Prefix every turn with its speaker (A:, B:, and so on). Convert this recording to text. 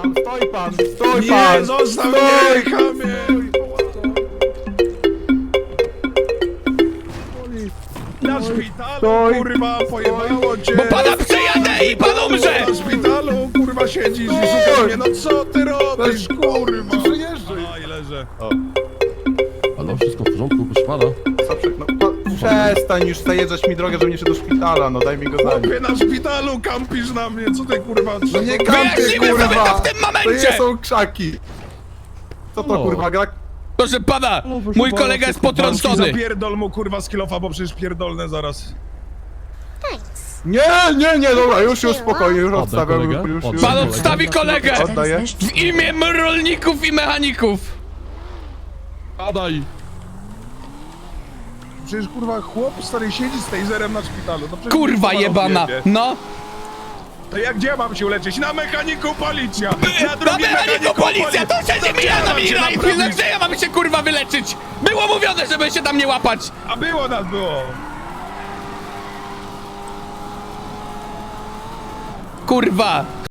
A: Stoi pan, stoi
B: Nie,
A: pan!
B: zostaw mnie, chamie! Na szpitalu,
A: Stoi.
B: kurwa, pojebało cię!
C: Bo pana przejadę i pan umrze!
B: Na szpitalu, kurwa, siedzisz i szukasz mnie, no co ty robisz, kurwa?
A: Przyjeżdżaj!
B: A, i leżę.
D: Halo, wszystko w porządku, proszę pana?
A: Zaprzek, no przestań już zajeżdżać mi drogę, żebym nie szedł do szpitala, no daj mi go zanieść.
B: Chłopie, na szpitalu kampisz na mnie, co ty, kurwa,
A: No nie
C: Wyjaśnijmy sobie to w tym
A: To
C: momencie!
A: nie są krzaki! Co to
D: No.
A: kurwa, gra?
C: Proszę pana, mój kolega jest potrącony.
B: Zapierdol mu, kurwa, z kilofa, bo przecież pierdolne zaraz.
A: Nie, dobra, już spokojnie, już odstawiam,
D: kolegę?
A: już.
D: Oddaj
C: Pan
D: kolegę.
C: odstawi kolegę!
A: Oddaję.
C: W imię rolników i mechaników!
D: Padaj!
B: Przecież, kurwa, chłop stary siedzi z taserem na szpitalu. No przecież
C: Kurwa
B: kurwa
C: jebana!
B: rozjebie.
C: No!
B: To jak gdzie mam się uleczyć? Na mechaniku policja!
C: Na
B: drugim
C: mechaniku policja! To się nie mija na mira i
B: naprawić.
C: gdzie ja mam się kurwa wyleczyć? Było mówione, żeby się tam nie łapać!
B: A było nas było!
C: Kurwa!